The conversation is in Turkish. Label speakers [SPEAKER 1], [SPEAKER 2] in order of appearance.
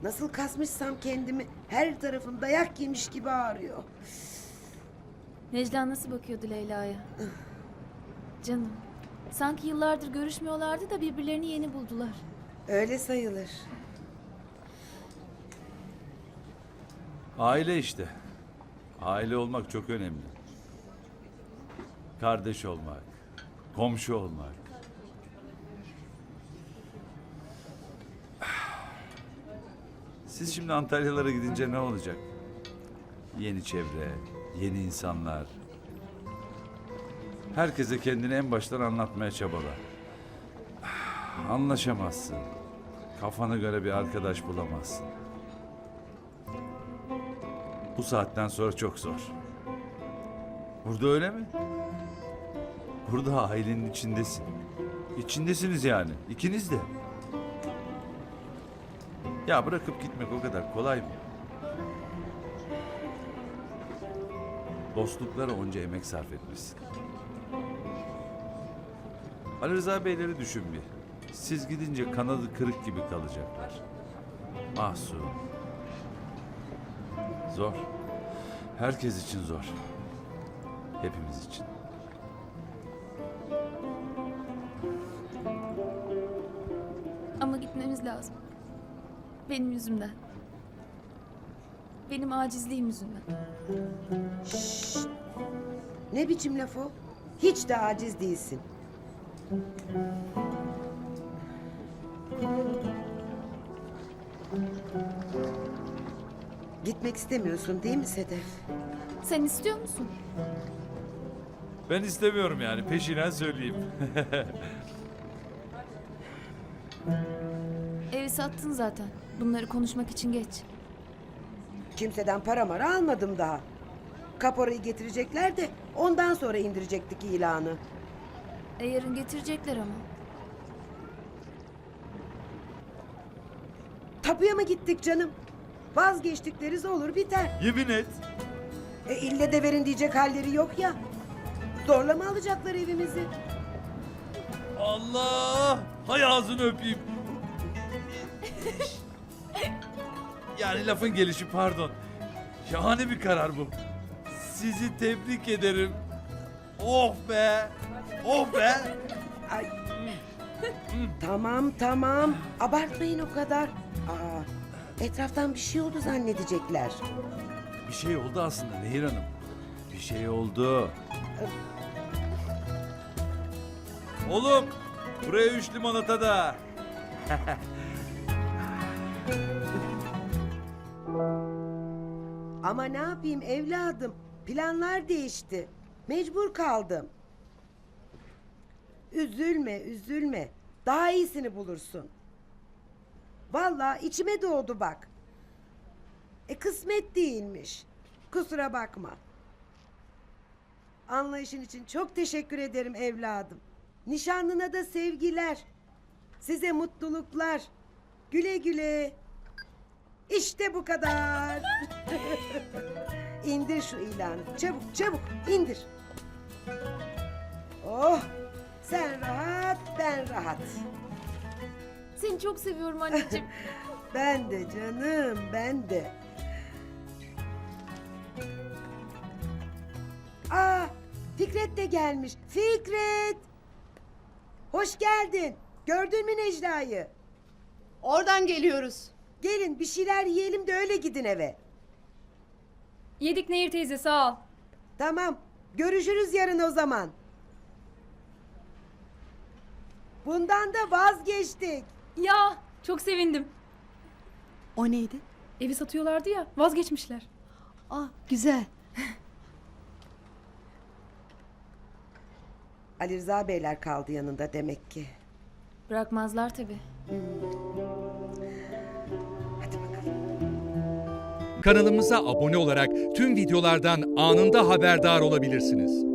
[SPEAKER 1] Nasıl kasmışsam kendimi, her tarafım dayak yemiş gibi ağrıyor.
[SPEAKER 2] Necla nasıl bakıyordu Leyla'ya? Canım, sanki yıllardır görüşmüyorlardı da birbirlerini yeni buldular.
[SPEAKER 1] Öyle sayılır.
[SPEAKER 3] Aile işte. Aile olmak çok önemli. Kardeş olmak, komşu olmak. Siz şimdi Antalyalara gidince ne olacak? Yeni çevre, yeni insanlar. Herkese kendini en baştan anlatmaya çabala. Anlaşamazsın. Kafana göre bir arkadaş bulamazsın. Bu saatten sonra çok zor. Burada öyle mi? Burada ailenin içindesin. İçindesiniz yani. İkiniz de. Ya bırakıp gitmek o kadar kolay mı? Dostluklara onca emek sarf etmişsin. Ali Rıza Beyleri düşün bir. Siz gidince kanadı kırık gibi kalacaklar. Mahzun. Zor. Herkes için zor. Hepimiz için.
[SPEAKER 2] Ama gitmemiz lazım. Benim yüzümden. Benim acizliğim yüzünden.
[SPEAKER 1] Ne biçim laf o? Hiç de aciz değilsin. Gitmek istemiyorsun değil mi Sedef?
[SPEAKER 2] Sen istiyor musun?
[SPEAKER 3] Ben istemiyorum yani. Peşinen söyleyeyim.
[SPEAKER 2] Evi sattın zaten. Bunları konuşmak için geç.
[SPEAKER 1] Kimseden para mara almadım daha. Kaporayı getirecekler de ondan sonra indirecektik ilanı.
[SPEAKER 2] Yarın getirecekler ama.
[SPEAKER 1] Tapuya mı gittik canım? Vazgeçtikleriz olur biter.
[SPEAKER 3] Yemin et.
[SPEAKER 1] İlle de verin diyecek halleri yok ya. Zorla mı alacaklar evimizi?
[SPEAKER 3] Allah! Hay ağzını öpeyim. Yani lafın gelişi pardon. Şahane bir karar bu. Sizi tebrik ederim. Oh be! Oh be!
[SPEAKER 1] Ay. Tamam. Abartmayın o kadar. Etraftan bir şey oldu zannedecekler.
[SPEAKER 3] Bir şey oldu aslında Nehir Hanım. Bir şey oldu. Oğlum, buraya 3 limonata da.
[SPEAKER 1] Ama ne yapayım evladım? Planlar değişti. Mecbur kaldım. Üzülme. Daha iyisini bulursun. Vallahi içime doğdu bak. Kısmet değilmiş. Kusura bakma. Anlayışın için çok teşekkür ederim evladım. Nişanlına da sevgiler. Size mutluluklar. Güle güle. İşte bu kadar. İndir şu ilanı. Çabuk indir. Oh, sen rahat, ben rahat.
[SPEAKER 2] Seni çok seviyorum anneciğim.
[SPEAKER 1] Ben de canım, ben de. Fikret de gelmiş. Fikret! Hoş geldin. Gördün mü Necla'yı?
[SPEAKER 4] Oradan geliyoruz.
[SPEAKER 1] Gelin bir şeyler yiyelim de öyle gidin eve.
[SPEAKER 5] Yedik Nehir teyze, sağ ol.
[SPEAKER 1] Tamam. Görüşürüz yarın o zaman. Bundan da vazgeçtik.
[SPEAKER 5] Ya çok sevindim.
[SPEAKER 4] O neydi?
[SPEAKER 5] Evi satıyorlardı ya, vazgeçmişler.
[SPEAKER 4] Güzel.
[SPEAKER 1] Ali Rıza Beyler kaldı yanında demek ki.
[SPEAKER 2] Bırakmazlar tabii.
[SPEAKER 1] Hadi bakalım.
[SPEAKER 6] Kanalımıza abone olarak tüm videolardan anında haberdar olabilirsiniz.